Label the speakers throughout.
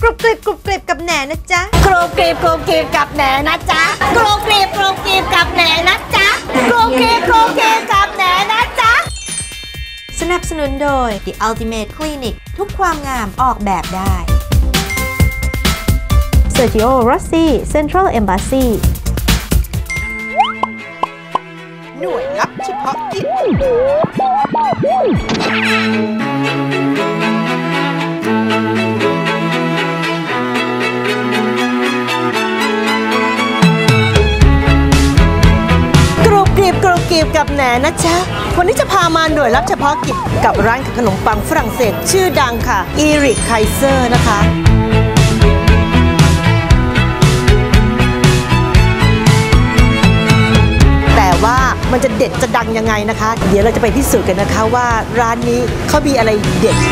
Speaker 1: กรุบกริบกรุบกริบกับแหนนะจ๊ะ
Speaker 2: กรุบกริบกรุบกริบกับแหนนะจ๊ะกรุบกริบกรุบกริบกับแหนนะจ๊ะกรุบกริบกรุบกริบกับแหนนะจ๊ะ
Speaker 1: สนับสนุนโดย The Ultimate Clinic ทุกความงามออกแบบได้ Sergio Rossi Central Embassy
Speaker 3: หน่วยลับเฉพาะกิจ
Speaker 2: กรุบกริบกรุบกริบกับแหนนะจ๊ะวันนี้จะพามาหน่วยลับเฉพาะกิจกับร้านขนมปังฝรั่งเศสชื่อดังค่ะอีริกไคเซอร์นะคะแต่ว่ามันจะเด็ดจะดังยังไงนะคะเดี๋ยวเราจะไปพิสูจน์กันนะคะว่าร้านนี้เขามีอะไรเด็ด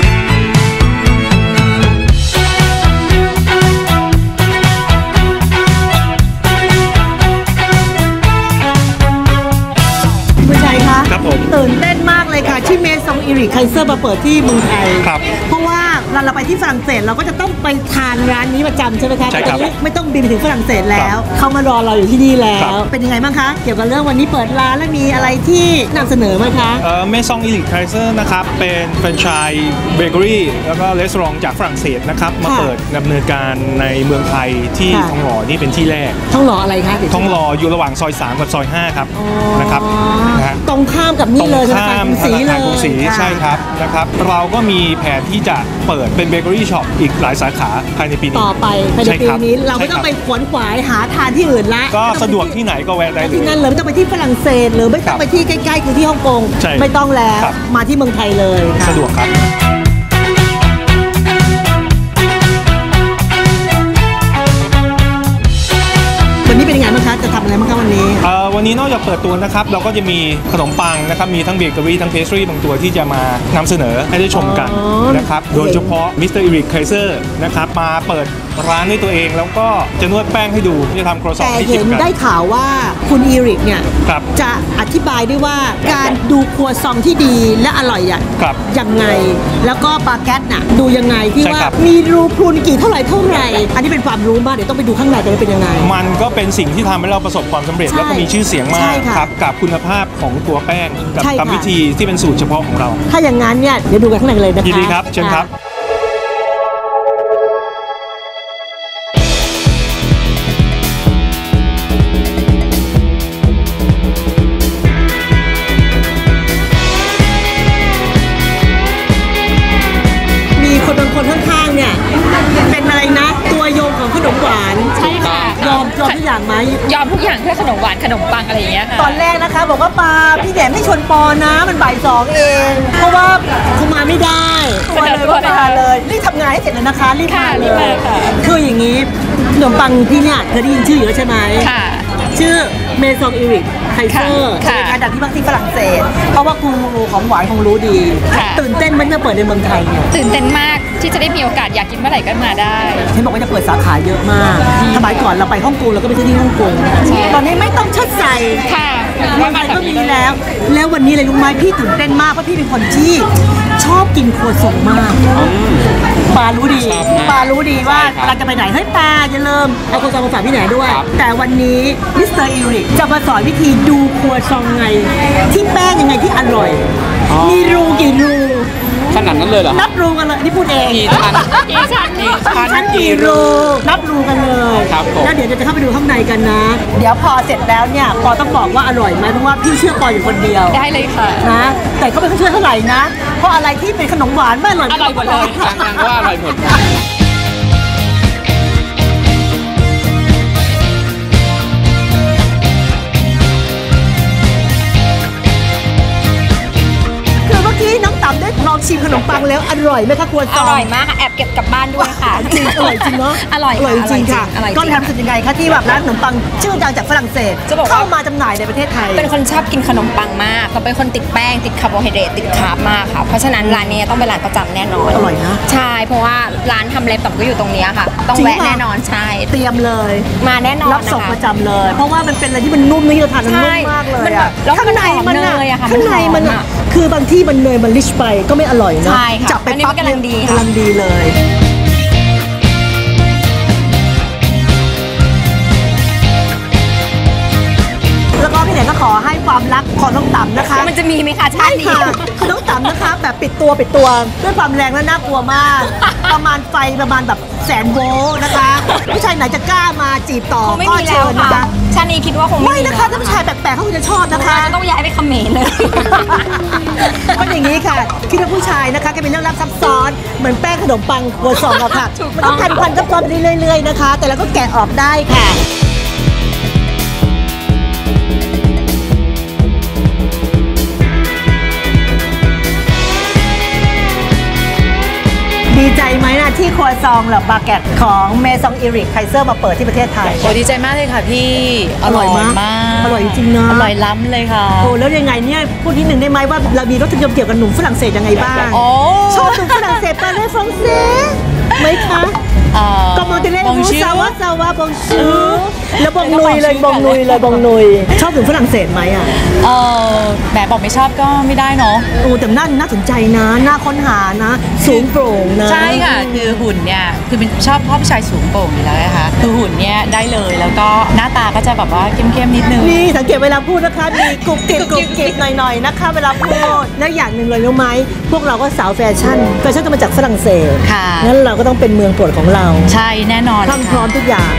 Speaker 4: ครับผม
Speaker 2: ตื่นเต้นมากเลยค่ะที่เมซองอีริกไคเซอร์มาเปิดที่เมืองไทย
Speaker 4: ครับ
Speaker 2: เพราะว่าเราไปที่ฝรั่งเศสเราก็จะต้องไปทานร้านนี้ประจำใช่ไหมคะ
Speaker 4: ใช่ครับ
Speaker 2: ไม่ต้องบินไปถึงฝรั่งเศสแล้วเขามารอเราอยู่ที่นี่แล้วเป็นยังไงบ้างคะเกี่ยวกับเรื่องวันนี้เปิดร้านแล้วมีอะไรที่นำเสนอไหมคะ
Speaker 4: เมซองอีริกไคเซอร์นะครับเป็นแฟรนไชส์เบเกอรี่แล้วก็รีสอร์ทจากฝรั่งเศสนะครับมาเปิดดำเนินการในเมืองไทยที่ทองหล่อนี่เป็นที่แรก
Speaker 2: ทองหล่ออะไรคะ
Speaker 4: ทองหล่ออยู่ระหว่างซอย3กับซอย5ครับนะครับ
Speaker 2: ตรงข้ามกับนี่เลย
Speaker 4: ข้ามธนาคารกรุงศรีใช่ครับนะครับเราก็มีแผนที่จะเปิดเป็นเบเกอรี่ช็อปอีกหลายสาขาภายในปีนี้
Speaker 2: ต่อไปภายในปีนี้เราไม่ต้องไปขวนขวายหาทานที่อื่นละ
Speaker 4: ก็สะดวกที่ไหนก็แวะได้เลย
Speaker 2: ที่นั่นเลยไม่ต้องไปที่ฝรั่งเศสหรือไม่ต้องไปที่ใกล้ๆคือที่ฮ่องกงไม่ต้องแล้วมาที่เมืองไทยเลย
Speaker 4: สะดวกครับ
Speaker 2: วันนี้เป็นยังไงบ้างคะจะทำอะไรบ้างคะวันนี้
Speaker 4: วันนี้นอกจากเปิดตัวนะครับเราก็จะมีขนมปังนะครับมีทั้งเบเกอรี่ทั้งเพสทรีบางตัวที่จะมานำเสนอให้ได้ชมกันนะครับโดยเฉพาะมิสเตอร์อีริกไคเซอร์นะครับมาเปิดร้านด้วยตัวเองแล้วก็จะนวดแป้งให้ดูจะทำครัวซองให้ชิมกัน
Speaker 2: แต่เห็นได้ข่าวว่าคุณอีริกเนี่ยจะอธิบายด้วยว่าการดูครัวซองที่ดีและอร่อยยังไงแล้วก็บาเกตน่ะดูยังไงที่ว่ามีรูพรุนกี่เท่าไหร่อันนี้เป็นความรู้มากเดี๋ยวต้องไปดูข้างในจะเป็นยังไง
Speaker 4: มันก็เป็นสิ่งที่ทำให้เราประสบความสำเร็จแล้วก็มีชื่อเสียงมากครับกับคุณภาพของตัวแป้งกับกรรมวิธีที่เป็นสูตรเฉพาะของเรา
Speaker 2: ถ้าอย่างนั้นเนี่ยเดี๋ยวดูกันข้างในเลยนะคะ
Speaker 4: ยินดีครับเชิญครับ
Speaker 2: คนข้างๆเนี่ยเป็นอะไรนะตัวโยงของขนมหวาน
Speaker 5: ใช่ค่ะ
Speaker 2: ยอมทุกอย่างไหม
Speaker 5: ยอมทุกอย่างเพื่อขนมหวานขนมปังอะไรอย่างเงี้ยค่ะ
Speaker 2: ตอนแรกนะคะบอกว่าปาพี่แหนมให้ชวนปอนะมันบ่าย2เองเพราะว่าเขามาไม่ได้มาเลยรีบทำงานให้เสร็จเลยนะคะรีบมาเลยคืออย่างนี้ขนมปังที่เนี่ยเคยได้ยินชื่ออยู่แล้วใช่ไหม
Speaker 5: ค่ะ
Speaker 2: ชื่อเมซองอีริกไคเซอร์เป็นการดังที่มากที่ฝรั่งเศสเพราะว่าครูของหวานคงรู้ดีตื่นเต้นมันจะเปิดในเมืองไทยเนี่ย
Speaker 5: ตื่นเต้นมากที่จะได้มีโอกาสอยากกินเมื่อไหร่ก็มาได้
Speaker 2: เห็นบอกว่าจะเปิดสาขาเยอะมากสมัยก่อนเราไปฮ่องกงเราก็ไปที่ฮ่องกงตอนนี้ไม่ต้องเชิดใส่
Speaker 5: ค่ะ
Speaker 2: เมืองไทยก็มีแล้ววันนี้เลยลุงไม้พี่ตื่นเต้นมากเพราะพี่เป็นคนที่ชอบกินครัวซองมากปารู้ดีว่าเราจะไปไหนเฮ้ยปาอย่าลืมเอาครัวซองมาฝากพี่แหนด้วยแต่วันนี้มิสเตอร์อีริกจะมาสอนวิธีดูครัวซองไงที่แป้งยังไงที่อร่อยมีรูกี่รู
Speaker 4: ขนาดนั้นเลยเหรอ
Speaker 2: นับรูกันเลยนี่พูดเอง
Speaker 4: กี่ชั้น
Speaker 2: กี่รูนับรูกันเลยแล้วเดี๋ยวจะเข้าไปดูข้างในกันนะเดี๋ยวพอเสร็จแล้วเนี่ยปอต้องบอกว่าอร่อยไหมเพราะว่าพี่เชื่อปออยู่คนเดียว
Speaker 5: ได้เลยค่ะ
Speaker 2: นะแต่ก็ไม่เชื่อเท่าไหร่นะเพราะอะไรที่เป็นขนมหวานไม่อร่อย
Speaker 5: หมดเลย
Speaker 4: ยังว่าอร่อยหมด
Speaker 2: ได้ลองชิมขนมปังแล้วอร่อยไหมคะครัวซอง
Speaker 5: อร่อยมากค่ะแอบเก็บกลับบ้านด้วยค่ะ
Speaker 2: จริงอร่อยจริงเนาะ
Speaker 5: อร่อย
Speaker 2: จริงค่ะก็ทำสุดยังไงคะที่แบบร้านขนมปังชื่อดังจากฝรั่งเศสเข้ามาจำหน่ายในประเทศไทย
Speaker 5: เป็นคนชอบกินขนมปังมากก็เป็นคนติดแป้งติดคาร์โบไฮเดรตติดคาร์บมากค่ะเพราะฉะนั้นร้านนี้ต้องเป็นร้านประจำแน่นอน
Speaker 2: อร่อยนะ
Speaker 5: ใช่เพราะว่าร้านทำเล็บต่อก็อยู่ตรงนี้ค่ะต้องแวะแน่นอนใช่
Speaker 2: เตรียมเลย
Speaker 5: มาแน่นอน
Speaker 2: รับส่งประจำเลยเพราะว่ามันเป็นอะไรที่มันนุ่มนี่เราทานมันนุ่มมากเลยอะข้างในมันคือบางที่มันเนยมันลิชไปก็ไม่อร่อยนะ
Speaker 5: จับไปปั๊บ
Speaker 2: กำลังดีเลย
Speaker 5: จะมีไหมคะชา
Speaker 2: ใช่
Speaker 5: ตินี้
Speaker 2: ค่ะขนมตำนะคะแบบปิดตัวด้วยความแรงและน่ากลัวมาก ประมาณไฟประมาณแบบ100,000 โวลต์นะคะผู้ชายไหนจะกล้ามาจีบต่อ
Speaker 5: คงไม่
Speaker 2: ก็
Speaker 5: มีแล้
Speaker 2: เชิ
Speaker 5: ว
Speaker 2: ญนะ
Speaker 5: ค่ะ
Speaker 2: คะ
Speaker 5: ชาตินี้คิดว่าคง
Speaker 2: ไม่
Speaker 5: มี
Speaker 2: นะคะถ้าผู้ชายแปลกๆเขาคงจะชอบนะคะ
Speaker 5: จะต้องย้ายไปเขมรเลย
Speaker 2: ก็อย่างนี้ค่ะคิดว่าผู้ชายนะคะก็เป็นเรื่องลับซับซ้อนเหมือนแป้งขนมปังโกซองอะค่ะ
Speaker 5: ถูก
Speaker 2: มัน
Speaker 5: ต้
Speaker 2: ก็
Speaker 5: อง
Speaker 2: พันซับซ้อนไปเรื่อยๆนะคะ แต่เราก็แกะออกได้ค่ะดีใจไหมนะที่ครัวซองหรือบาเกตของเมซองอิริกไคเซอร์มาเปิดที่ประเทศไทย
Speaker 6: โอ้ดีใจมากเลยค่ะพี่
Speaker 2: อร่อยมาก
Speaker 6: มาก
Speaker 2: อร่อยจริงๆนะ
Speaker 6: อร่อยล้ำเลยค่ะ
Speaker 2: โอ้แล้วยังไงเนี่ยพูดนิดหนึ่งได้ไหมว่าเรามีรสนิยมเกี่ยวกับหนุ่มฝรั่งเศสยังไงบ้าง
Speaker 6: โอ้
Speaker 2: ชอบหนุ่มฝรั่งเศสปาเลฟรองเซไหมคะก็มองจะเล่นบูซาวาบองชูแล้วบองนุยเลยบองนุยชอบหนุ่มฝรั่งเศสไหมอ่ะ
Speaker 6: แหมบอกไม่ชอบก็ไม่ได้เนาะ
Speaker 2: โอ้แต่น่าสนใจนะน่าค้นหานะ สูงโปร่งนะ
Speaker 6: ใช่ค่ะ คือหุ่นเนี่ย คือเป็นชอบผู้ชายสูงโปร่งอยู่แล้วนะคะคือหุ่นเนี่ยได้เลย แล้วก็หน้าตาก็จะแบบว่าเข้มๆนิดนึง
Speaker 2: นี่สังเกตเวลาพูดนะคะมีกรุบกริบหน่อยๆนะคะเวลาพูดแล้วอย่างหนึ่งเลยรู้ไหมพวกเราก็สาวแฟชั่นก็มาจากฝรั่งเศส
Speaker 6: ค่ะ
Speaker 2: งั้นเราก็ต้องเป็นเมืองโปรดของเรา
Speaker 6: ใช่แน่นอน
Speaker 2: พร้อมพร้อมทุกอย่าง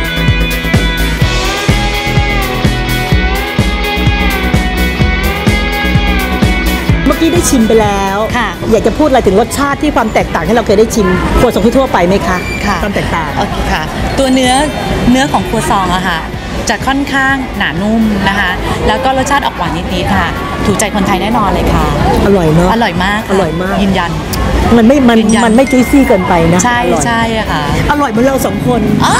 Speaker 2: เมื่อกี้ได้ชิมไปแล้ว
Speaker 6: ค่ะ
Speaker 2: อยากจะพูดอะไรถึงรสชาติที่ความแตกต่างที่เราเคยได้ชิมครัวซองทั่วๆไปไหมคะ
Speaker 6: ค่ะ
Speaker 2: ความแตกต่าง
Speaker 6: โอเคค่ะ ตัวเนื้อของครัวซองอะค่ะ จะค่อนข้างหนานุ่มนะคะ แล้วก็รสชาติออกหวานนิดๆค่ะ ถูกใจคนไทยแน่นอนเลยค่ะ
Speaker 2: อร่อยเนาะ
Speaker 6: อร่อยมากค่ะ
Speaker 2: อร่อยมาก
Speaker 6: ยืนยัน
Speaker 2: มันไม่
Speaker 6: ยืนยัน
Speaker 2: มันไม่จุ้ยซี่เกินไปนะ
Speaker 6: ใช่
Speaker 2: อร่อย
Speaker 6: ใช่อะค่ะ
Speaker 2: อร่อยเหมือนเราสองคน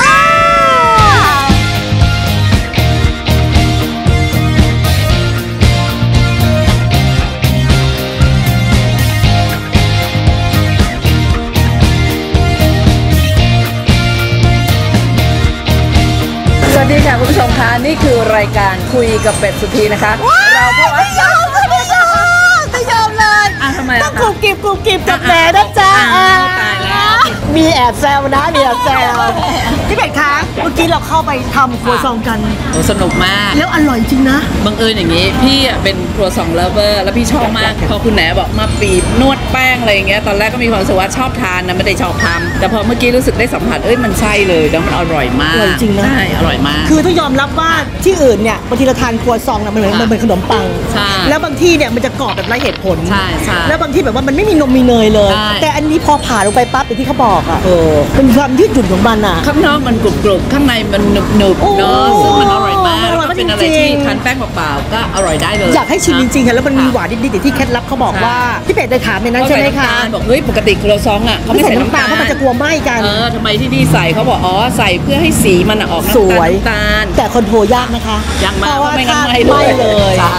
Speaker 7: สวัสดีค่ะคุณผู้ชมคะนี่คือรายการคุยกับเป็ดสุธีนะคะ เราพบว่า
Speaker 2: ไม่ยอมเลย
Speaker 7: ทำไม
Speaker 2: ต้อ
Speaker 7: ล่ะ
Speaker 2: ง
Speaker 7: คะ
Speaker 2: กรุบกริบกับแหนนะจ๊ะ
Speaker 7: ตายแล้ว
Speaker 2: มีแอบแซวนะมีแอบแซวพี่เป็ดคะเมื่อกี้เราเข้าไปทำครัวซองกัน
Speaker 7: โอ้สนุกมาก
Speaker 2: แล้วอร่อยจริงนะ
Speaker 7: บังเอิญอย่างนี้ พี่อ่ะเป็นครัวซองเลฟเวอร์แล้วพี่ชอบมาก พอคุณแหนบอกมาปีบนวดแป้งอะไรอย่างเงี้ยตอนแรกก็มีความรู้สึกว่าชอบทานนะไม่ได้ชอบทำแต่พอเมื่อกี้รู้สึกได้สัมผัสมันใช่เลยแล้วมันอร่อยมาก
Speaker 2: อร่อยจริงนะ
Speaker 7: ใช่อร่อยมาก
Speaker 2: คือต้องยอมรับว่าที่อื่นเนี่ยบางทีเราทานครัวซองนะมันเหมือน
Speaker 7: ค่ะ
Speaker 2: มันเหมือนขนมปัง
Speaker 7: ใช่
Speaker 2: แล้วบางที่เนี่ยมันจะกรอบแบบไร้เหตุผล
Speaker 7: ใช่ใช่
Speaker 2: แล้วบางที่แบบว่ามันไม่มีนมมีเนยเลย
Speaker 7: ใช่
Speaker 2: แต่อันนี้พอผ่าลงไปปั๊บอย่างที่เขาบอกอ่ะเป็นความยืดหยุ่นของมันอ่ะ
Speaker 7: ข้างนอกมันกรุบๆข้างในมันหนึบๆเนาะ
Speaker 2: โอ้
Speaker 7: ซึ่งมันอร่อยมาก
Speaker 2: อร่อยมาก
Speaker 7: เป็นอะไร
Speaker 2: จริ
Speaker 7: ที่
Speaker 2: งๆ
Speaker 7: ทานแป้งเปล่าๆก็อร่อยได้เลย
Speaker 2: อยากให้ชิมจริงๆค่ะแล้วมันมีหวานนิดๆอย่างที่เคล็ดลับเขาบอกว่าพี่เป็ดได้ถามในนั้นใช่ไหมคะ
Speaker 7: บอกเฮ้ยปกติครัวซองอ่ะเขาไม่ใส่น้ำตาล
Speaker 2: เพราะมันจะกลัวไหม้กัน
Speaker 7: ทำไมที่นี่ใส่เขาบอกอ๋อใส่เพื่อให้สีมันออก
Speaker 2: สวย
Speaker 7: น้ำตาล
Speaker 2: แต่คอนโทรลยากนะคะ
Speaker 7: ยากมาก
Speaker 2: เพราะว่า
Speaker 7: ไม่งั้น
Speaker 2: ถ้า
Speaker 7: ไหม้
Speaker 2: ไหม้เลย
Speaker 7: ใช่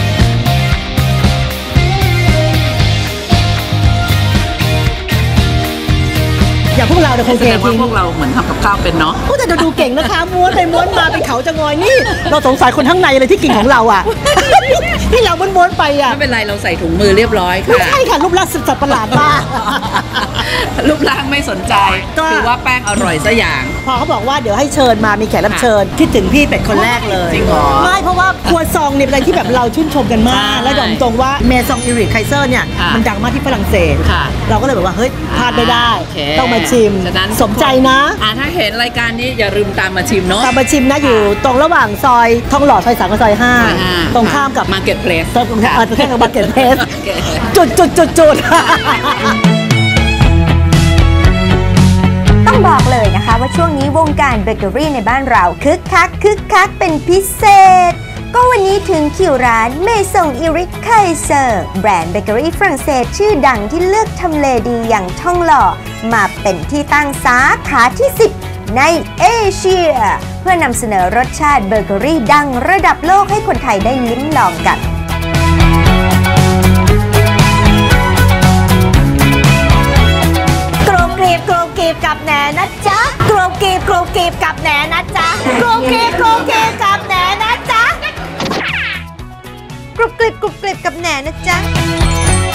Speaker 2: อย่างพวกเราเนี่ยคง
Speaker 7: แส
Speaker 2: เท
Speaker 7: ดงว่า
Speaker 2: ทิ้ง
Speaker 7: พวกเราเหมือนทำกับข้าวเป็นเนาะ
Speaker 2: พูดแต่เราดูเก่งนะคะม้วนไปม้วนมาเป็นเขาจะงอยนี่ เราสงสัยคนข้างในเลยที่กินของเราอ่ะ ที่เราม้วนๆไปอ่ะ
Speaker 7: ไม่เป็นไรเราใส่ถุงมือเรียบร้อย
Speaker 2: ไม่
Speaker 7: ค่ะ
Speaker 2: ใช่ค่ะรูปร่างสัตว์ประหลาดมาก
Speaker 7: รูปร่างไม่สนใจ
Speaker 2: ก็
Speaker 7: คือว่าแป้งอร่อยซะอย่าง
Speaker 2: พอเขาบอกว่าเดี๋ยวให้เชิญมามีแขกรับเชิญคิดถึงพี่เป็ดคนแรกเลย
Speaker 7: จริงเหรอ
Speaker 2: ไม่เพราะว่าครัวซองเนี่ยเป็นอะไรที่แบบเราชื่นชมกันมาก
Speaker 7: ใช่
Speaker 2: และยอมตรงว่าเมซองอิริกไคเซอร์เนี่ย
Speaker 7: ค่ะ
Speaker 2: มันดังมากที่ฝรั่งเศส
Speaker 7: ค่ะ
Speaker 2: เราก็เลยแบบว่าเฮ้ยพลาดไม่ได้
Speaker 7: โอเค
Speaker 2: ต้องมาชิม
Speaker 7: ฉะนั้น
Speaker 2: สมใจนะ
Speaker 7: ถ้าเห็นรายการนี้อย่าลืมตามมาชิมเนาะ
Speaker 2: ตามมาชิมนะอยู่ตรงระหว่างซอยทองหล่อซอย3กับซอย5ตรงข้ามกับ
Speaker 7: มาร์เก็ตเพลส
Speaker 2: ตรงข้ามกับบักเก็ตเพส
Speaker 7: โอเค
Speaker 2: จุด
Speaker 1: ต้องบอกเลยนะคะว่าช่วงนี้วงการเบเกอรี่ในบ้านเราคึกคักเป็นพิเศษ ก็วันนี้ถึงคิวร้านเมซงอิริกไคเซอร์แบรนด์เบเกอรี่ฝรั่งเศสชื่อดังที่เลือกทำเลดีอย่างท่องหล่อมาเป็นที่ตั้งสาขาที่ 10 ในเอเชีย เพื่อนำเสนอรสชาติเบเกอรี่ดังระดับโลกให้คนไทยได้ลิ้มลองกันกรุบกริบกับแหนนะจ๊ะกรุบกริบกับแหนนะจ๊ะกรุบกริบกับแหนนะจ๊ะกรุบกริบกับแหนนะจ๊ะ